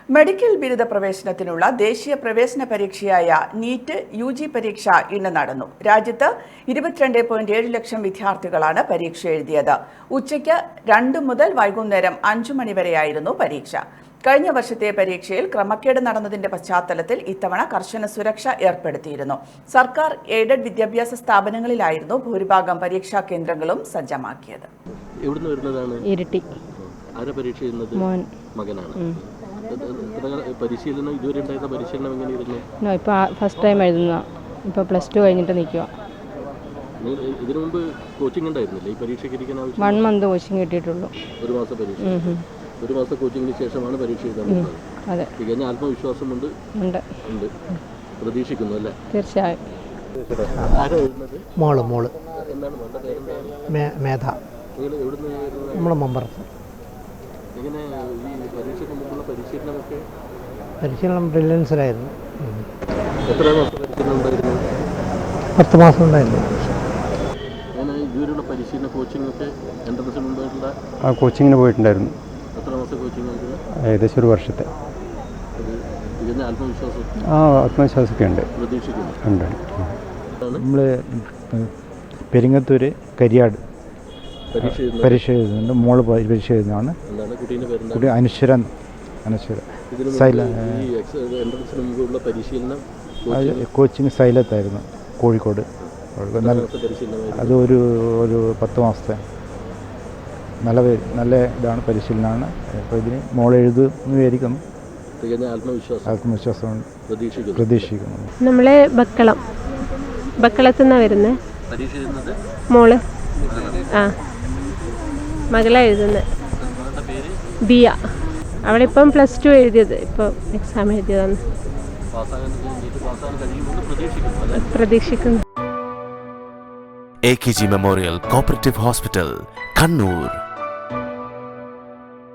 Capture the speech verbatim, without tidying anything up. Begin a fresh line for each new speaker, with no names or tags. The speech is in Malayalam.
മെഡിക്കൽ ബിരുദ പ്രവേശനത്തിനുള്ള ദേശീയ പ്രവേശന പരീക്ഷയായ നീറ്റ് യു ജി പരീക്ഷ ഇന്ന് നടന്നു. രാജ്യത്ത് ഇരുപത്തിരണ്ട് പോയിന്റ് ഏഴ് ലക്ഷം വിദ്യാർത്ഥികളാണ് പരീക്ഷ എഴുതിയത്. ഉച്ചയ്ക്ക് രണ്ട് മുതൽ വൈകുന്നേരം അഞ്ചു മണിവരെയായിരുന്നു പരീക്ഷ. കഴിഞ്ഞ വർഷത്തെ പരീക്ഷയിൽ ക്രമക്കേട് നടന്നതിന്റെ പശ്ചാത്തലത്തിൽ ഇത്തവണ കർശന സുരക്ഷ ഏർപ്പെടുത്തിയിരുന്നു. സർക്കാർ എയ്ഡഡ് വിദ്യാഭ്യാസ സ്ഥാപനങ്ങളിലായിരുന്നു ഭൂരിഭാഗം പരീക്ഷാ കേന്ദ്രങ്ങളും സജ്ജമാക്കിയത്.
പരിശീലനം ഇതുവരെ ഉണ്ടായിരുന്ന പരിശീലനം എങ്ങനെയായിരുന്നു?
ഇപ്പോൾ ഫസ്റ്റ് ടൈം എഴുതുന്ന ഇപ്പോൾ പ്ലസ് ടു കഴിഞ്ഞിട്ട് നിൽക്കുക.
ഇതിനു മുമ്പ് കോച്ചിങ് ഉണ്ടായിരുന്നില്ലേ ഈ പരീക്ഷയ്ക്ക് ഇരിക്കാൻ ആവശ്യം?
വൺ മന്ത് കോച്ചിങ് കിട്ടിയിട്ടുള്ളൂ.
ഒരു മാസം പരീക്ഷ. ഒരു മാസം കോച്ചിങ്ങിന് ശേഷമാണ് പരീക്ഷ എഴുതാൻ.
അതെ.
തികഞ്ഞ ആത്മവിശ്വാസമുണ്ട്.
ഉണ്ട്
ഉണ്ട് പ്രതീക്ഷിക്കുന്നു അല്ലേ?
തീർച്ചയായും.
മോള് മോള്
എന്താണ് മോളുടെ പേരെന്താണ്?
മേധ.
നിങ്ങൾ എവിടുന്ന്?
നമ്മളെ മമ്പറത്ത്.
എങ്ങനെ ഈ പരീക്ഷയ്ക്ക് മുമ്പുള്ള പരിശീലനമൊക്കെ?
പരിശീലനം ബ്രില്യൻസിലായിരുന്നു.
എത്ര മാസം പരിശീലനം ഉണ്ടായിരുന്നു?
പത്ത് മാസം ഉണ്ടായിരുന്നു.
അങ്ങനെ ഇതുവരെയുള്ള പരിശീലന കോച്ചിങ് ഒക്കെ എൻട്രൻസിന് മുമ്പായിട്ടുള്ള
ആ കോച്ചിങ്ങിന് പോയിട്ടുണ്ടായിരുന്നു.
എത്ര മാസം കോച്ചിങ് ആയിരുന്നു?
ഏകദേശം ഒരു വർഷത്തെ.
അത് തികഞ്ഞ ആത്മവിശ്വാസം?
ആ ആത്മവിശ്വാസമൊക്കെ ഉണ്ട്.
പ്രതീക്ഷിക്കുന്നു.
ഉണ്ട്.
നമ്മൾ പെരിങ്ങത്തൂർ കരിയാട് പരീക്ഷ എഴുതുന്നുണ്ട്. മോള് പരീക്ഷ എഴുതുന്നതാണ്. കുട്ടി അനശ്വര അനശ്വര കോച്ചിങ് സൈലത്തായിരുന്നു കോഴിക്കോട്. നല്ല അത് ഒരു ഒരു പത്ത് മാസത്തെ നല്ല നല്ല ഇതാണ് പരിശീലനമാണ്. അപ്പോൾ ഇതിന് മോൾ എഴുതുന്നു വിചാരിക്കുന്നു. ആത്മവിശ്വാസം പ്രതീക്ഷിക്കുന്നു.
നമ്മളെ ബക്കളം ബക്കളത്തു നിന്നാണ് വരുന്നത് മോള്. ആ മകളാണ് എഴുതുന്നത്. ബിയ. അവളിപ്പം പ്ലസ് ടു എഴുതിയത്, ഇപ്പോൾ എക്സാം എഴുതിയതാണ്. പ്രതീക്ഷിക്കുന്നു.
A K G memorial cooperative hospital, Kannur.